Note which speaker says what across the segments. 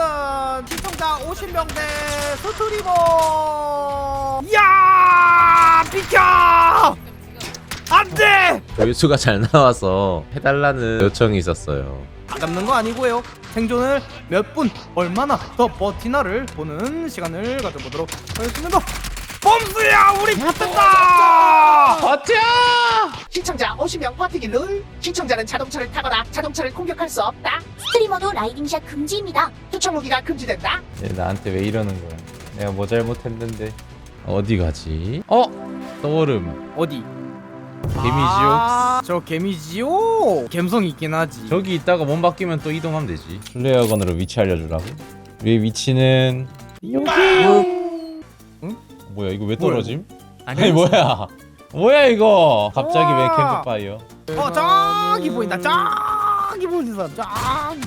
Speaker 1: 시청자 50명 대 스트리머. 이야 비켜 안돼.
Speaker 2: 조회수가 잘 나와서 해달라는 요청이 있었어요.
Speaker 1: 아깝는 거 아니고요. 생존을 몇 분 얼마나 더 버티나를 보는 시간을 가져보도록 하겠습니다. 범수야 우리 붙었다.
Speaker 2: 버텨!
Speaker 3: 시청자 50명 버티기 룰. 시청자는 자동차를 타거나 자동차를 공격할 수 없다.
Speaker 4: 스트리머도 라이딩샷 금지입니다.
Speaker 3: 투척 무기가 금지된다.
Speaker 2: 얘 나한테 왜 이러는 거야? 내가 뭐 잘못했는데. 어디 가지? 떠오름.
Speaker 1: 어디?
Speaker 2: 개미지옥?
Speaker 1: 저 개미지옥 감성 있긴 하지.
Speaker 2: 저기 있다가 몸 바뀌면 또 이동하면 되지. 플레이어건으로 위치 알려주라고? 우리 위치는 여기.
Speaker 1: 응?
Speaker 2: 뭐야 이거 왜 떨어짐?
Speaker 1: 아니
Speaker 2: 뭐야? 뭐야 이거? 갑자기 왜
Speaker 1: 우와.
Speaker 2: 캠프파이어?
Speaker 1: 저기 보인다. 저기 보인다. 저기.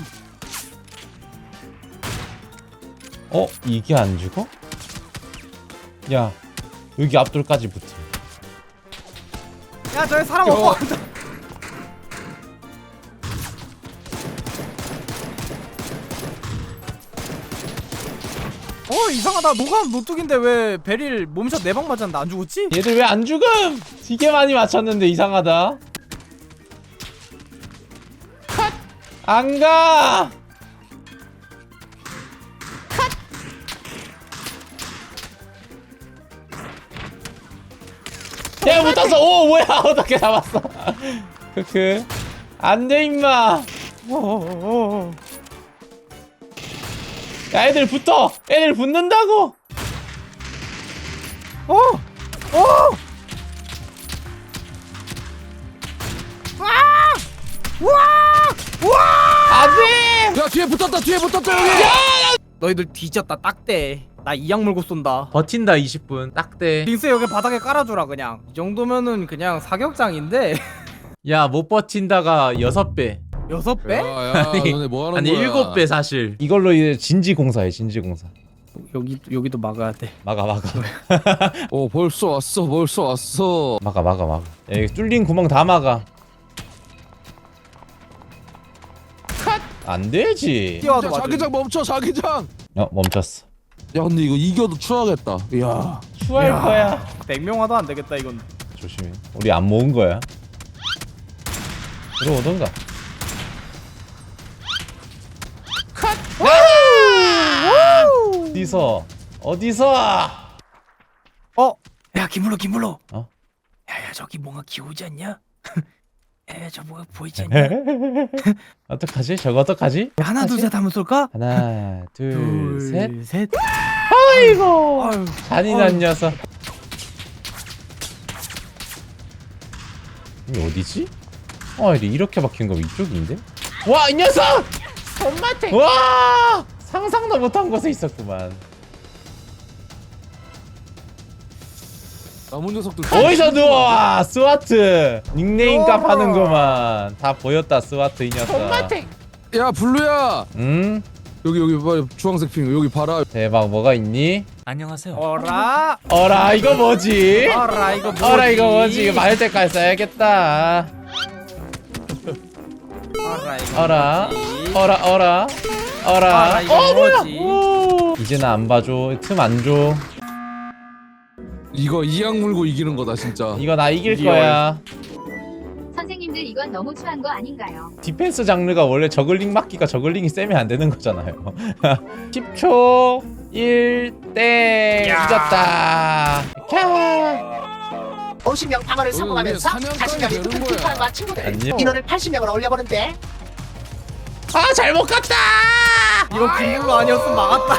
Speaker 2: 이게 안 죽어? 야 여기 앞돌까지 붙어.
Speaker 1: 야 저기 사람 없어. 이상하다. 노감 노뚝인데 왜 베릴 몸샷 4방 맞았는데 안 죽었지?
Speaker 2: 얘들 왜 안 죽음? 되게 많이 맞췄는데 이상하다. 컷! 안 가! 야 붙었어! 오 뭐야 어떻게 잡았어? 크크 안돼 임마. 야 애들 붙어! 애들 붙는다고! 안돼!
Speaker 5: 야 뒤에 붙었다 뒤에 붙었다 여기.
Speaker 1: 너희들 뒤졌다. 딱대. 나 이약 물고 쏜다.
Speaker 2: 버틴다 20분 딱대.
Speaker 1: 빙스 여기 바닥에 깔아주라. 그냥 이 정도면은 그냥 사격장인데.
Speaker 2: 야 못 버틴다가 6배
Speaker 1: 6배?
Speaker 5: 야야 너네 뭐 하는
Speaker 2: 아니
Speaker 5: 거야?
Speaker 2: 7배 사실. 이걸로 이제 진지공사해 진지공사.
Speaker 1: 여기도 막아야 돼.
Speaker 2: 막아
Speaker 5: 벌써 왔어.
Speaker 2: 막아 야, 이거 뚫린 구멍 다 막아. 컷! 안되지.
Speaker 1: 뛰어와도
Speaker 5: 야,
Speaker 1: 맞아.
Speaker 5: 자기장 멈춰 자기장.
Speaker 2: 멈췄어.
Speaker 5: 야 근데 이거 이겨도 추하겠다. 이야.
Speaker 2: 추할 거야.
Speaker 1: 100명 와도 안 되겠다 이건.
Speaker 2: 조심해. 우리 안 모은 거야. 들어오던가. 컷! 어디서?
Speaker 1: 야 김물로.
Speaker 2: 어?
Speaker 1: 야야 저기 뭔가 기우지 않냐? 야 저 뭐가 보이지 않냐?
Speaker 2: 어떡하지? 저거 어떡하지?
Speaker 1: 하나 둘 셋 하면 쏠까?
Speaker 2: 하나 둘셋.
Speaker 1: 셋.
Speaker 2: 아이고
Speaker 1: 아유,
Speaker 2: 잔인한 녀석. 이게 어디지? 이렇게 박힌 거 이쪽인데? 와 이 녀석! 손맛탱! 와 상상도 못한 곳에 있었구만.
Speaker 5: 남은 녀석들.
Speaker 2: 어디서 누워? 스와트 닉네임 값 하는구만. 다 보였다 스와트 이 녀석. 손맛탱!
Speaker 5: 야 블루야.
Speaker 2: 응?
Speaker 5: 여기 빨리 주황색 핑 여기 봐라.
Speaker 2: 대박 뭐가 있니?
Speaker 6: 안녕하세요.
Speaker 1: 어라
Speaker 2: 이거 뭐지?
Speaker 1: 어라 이거 뭐지?
Speaker 2: 이거 뭐지? 이거 맞을 때까지 써야겠다.
Speaker 1: 어라 이거
Speaker 2: 어라
Speaker 1: 어라 이거 뭐지?
Speaker 2: 오. 이제 나 안 봐줘. 틈 안 줘.
Speaker 5: 이거 이악 물고 이기는 거다 진짜.
Speaker 2: 이거 나 이길
Speaker 1: 리얼.
Speaker 2: 거야.
Speaker 4: 선생님들 이건 너무 추한 거 아닌가요?
Speaker 2: 디펜스 장르가 원래 저글링 막기가 저글링이 세면 안 되는 거잖아요. 10초 1땡 이겼다. 캬.
Speaker 3: 50명 방어를 성공하면서
Speaker 5: 사냥감이
Speaker 3: 자신감이
Speaker 5: 되는
Speaker 3: 높은
Speaker 5: 거야.
Speaker 3: 팀파과 친구들.
Speaker 2: 안녕.
Speaker 3: 인원을 80명으로 올려보는데
Speaker 2: 잘못 갔다.
Speaker 1: 이거 김물로 아니었으면 막았다.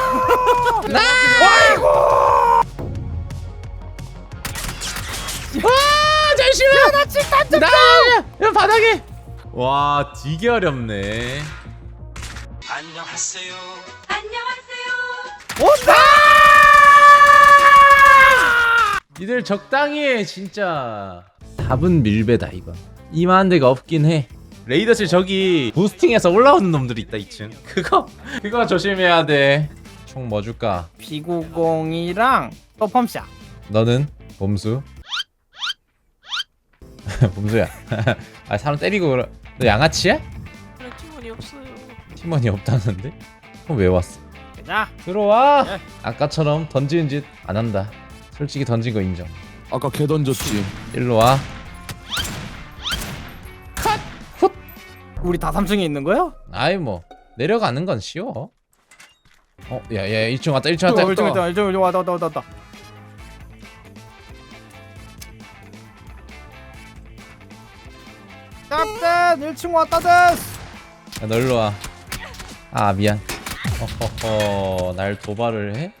Speaker 2: 잠시만. 나 칠탄 야 바닥에. 와 되게 어렵네.
Speaker 6: 안녕하세요.
Speaker 1: 온다.
Speaker 2: 니들 적당히 해 진짜. 답은 밀배다 이건. 이만한 데가 없긴 해. 레이더실 저기 부스팅해서 올라오는 놈들이 있다 2층. 그거 조심해야 돼. 총 뭐 줄까?
Speaker 1: P90이랑 또 펌샷.
Speaker 2: 너는? 범수? 범수야. 사람 때리고 너 양아치야?
Speaker 6: 팀원이 없어요.
Speaker 2: 팀원이 없다는데? 그럼 왜 왔어?
Speaker 1: 자,
Speaker 2: 들어와.
Speaker 1: 예.
Speaker 2: 아까처럼 던지는 짓 안 한다. 솔직히 던진 거 인정.
Speaker 5: 아까 개 던졌지.
Speaker 2: 일로 와.
Speaker 1: 우리 다 3층에 있는 거야?
Speaker 2: 아이 뭐 내려가는 건 쉬워. 야야 1층 왔다 1층 왔다.
Speaker 1: 1층 왔다. captain 1층 왔다 데스.
Speaker 2: 야, 너 일로 와. 아 미안. 어허허 날 도발을 해?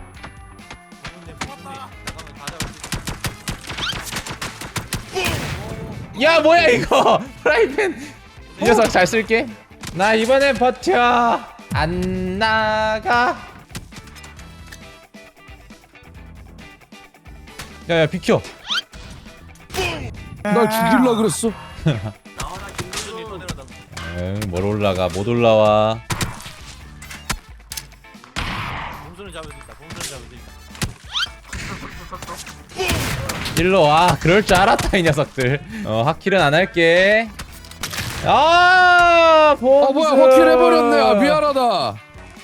Speaker 2: 야 뭐야 이거 프라이팬 이 녀석 잘 쓸게. 나 이번엔 버텨. 안 나가. 야야 비켜.
Speaker 5: 날 죽일라 그랬어.
Speaker 2: 응, 뭘 올라가 못 올라와. 일로 와. 그럴 줄 알았다 이 녀석들. 하킬은 안 할게. 아
Speaker 5: 뭐야 확킬 해버렸네. 아 미안하다.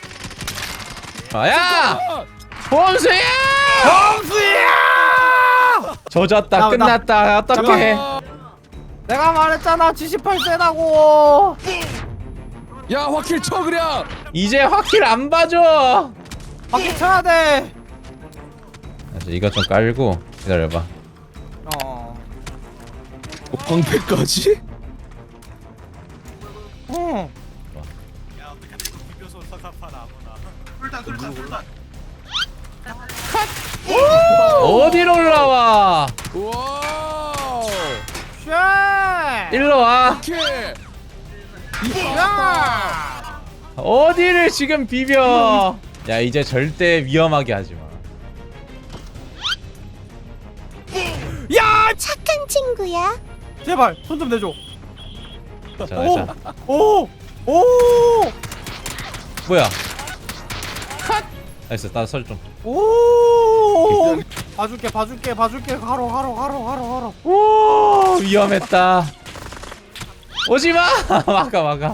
Speaker 2: 야 범수야.
Speaker 1: 범수야!
Speaker 2: 조졌다.
Speaker 1: 나-
Speaker 2: 끝났다. 어떡해.
Speaker 1: 내가 말했잖아 78 세다고.
Speaker 5: 야 확킬 쳐 그냥.
Speaker 2: 이제 하킬 안 봐줘.
Speaker 1: 바퀴 쳐야 돼.
Speaker 2: 이거 좀 깔고 기다려봐.
Speaker 5: 방패까지?
Speaker 1: 응.
Speaker 2: 어디로 올라와.
Speaker 5: 와우.
Speaker 1: 쉣.
Speaker 2: 일로 와.
Speaker 5: 확킬.
Speaker 1: 야.
Speaker 2: 어디를 지금 비벼. 야 이제 절대 위험하게 하지 마.
Speaker 1: 야,
Speaker 6: 착한 친구야.
Speaker 1: 제발 손 좀 내줘.
Speaker 2: 자,
Speaker 1: 오.
Speaker 2: 자.
Speaker 1: 오. 오.
Speaker 2: 뭐야? 컷. 나이스. 나 설 좀.
Speaker 1: 오. 봐줄게. 가로.
Speaker 2: 오 위험했다. 오지 마. 막아.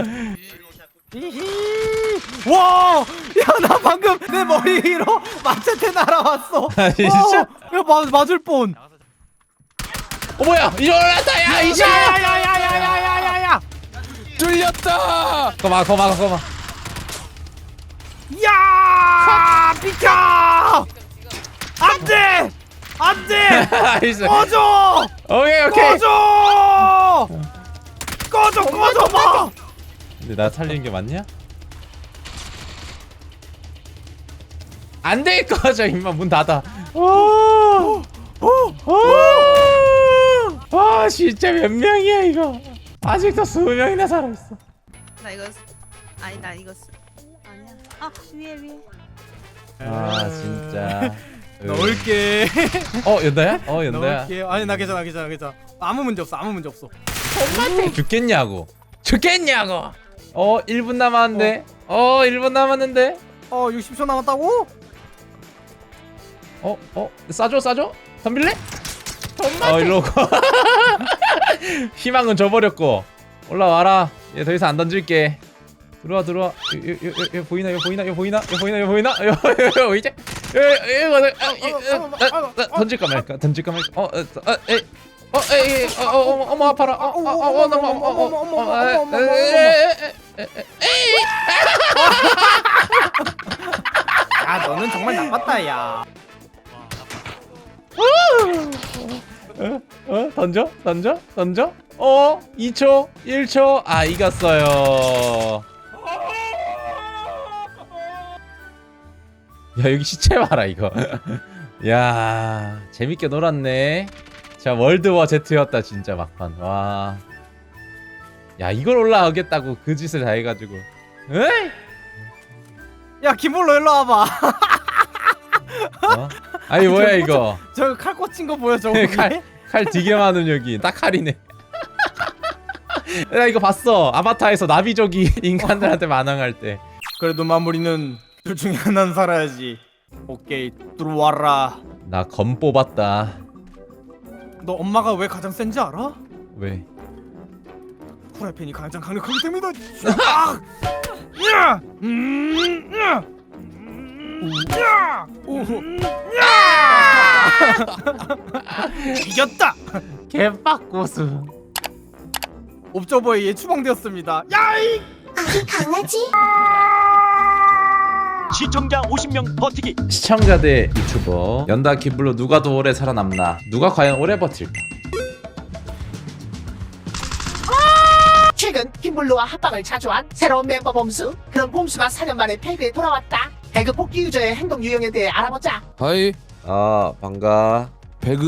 Speaker 1: 히히. 와. 야, 나 방금 내 머리 위로 마체테 날아왔어.
Speaker 2: 아니, 진짜?
Speaker 1: 야, 맞을 뻔.
Speaker 2: 뭐야? 이제 올랐다. 야 이제.
Speaker 1: 야야야야야야야야.
Speaker 5: 뚫렸다.
Speaker 2: 거마.
Speaker 1: 야! 비켜! 안돼!
Speaker 2: 나이스.
Speaker 1: 꺼져!
Speaker 2: 오케이.
Speaker 1: 꺼져 봐!
Speaker 2: 근데 나 살리는 게 맞냐? 안 돼. 꺼져 임마. 문 닫아. 아 진짜 몇 명이야 이거. 아직도 20명이나 살아있어.
Speaker 6: 나 이거 아니 나 이거 아니야. 아 위에.
Speaker 2: 아 진짜.
Speaker 1: 넣을게.
Speaker 2: 연다야? 연다야.
Speaker 1: 넣을게. 아니 나 괜찮아. 아무 문제 없어.
Speaker 2: 죽겠냐고. 1분 남았는데. 1분 남았는데.
Speaker 1: 60초 남았다고?
Speaker 2: 싸줘? 덤빌래? 일로 오고. 희망은 줘버렸고. 올라와라. 얘 더 이상 안 던질게. 들어와. 요 보이나? 이제. 던질까 말까. 어머 아파라.
Speaker 1: 야, 너는 정말 나빴다, 야.
Speaker 2: 던져. 2초, 1초. 아, 이겼어요. 야, 여기 시체 봐라, 이거. 야, 재밌게 놀았네. 자, 월드워 Z였다, 진짜 막판. 와. 야, 이걸 올라가겠다고 그 짓을 다 해가지고. 에이?
Speaker 1: 야, 김볼로 일로 와봐.
Speaker 2: 아니, 뭐야, 이거.
Speaker 1: 저거 칼 꽂힌 거 보여, 저거.
Speaker 2: 칼 되게 많은 여기. 딱 칼이네. 나 이거 봤어. 아바타에서 나비족이 인간들한테 만항할 때.
Speaker 1: 그래도 마무리는 둘 중에 하나는 살아야지. 오케이, 들어와라.
Speaker 2: 나 검 뽑았다.
Speaker 1: 너 엄마가 왜 가장 센지 알아?
Speaker 2: 왜?
Speaker 1: 후라이팬이 가장 강력하기 때문이다. 아! 야! 야! 야! 이겼다.
Speaker 2: 개빡고수.
Speaker 1: 옵저버에 추방되었습니다. 야이!
Speaker 7: 시청자 50명 버티기.
Speaker 2: 시청자 대 유튜버 연다 기블로 누가 더 오래 살아남나? 누가 과연 오래 버틸까?
Speaker 3: 최근 김블루와 합방을 자주 한 새로운 멤버 봄수. 그런 봄수가 4년 만에 패배에 돌아왔다. 배그 복귀 유저의 행동 유형에 대해 알아보자.
Speaker 5: 하이.
Speaker 8: 반가.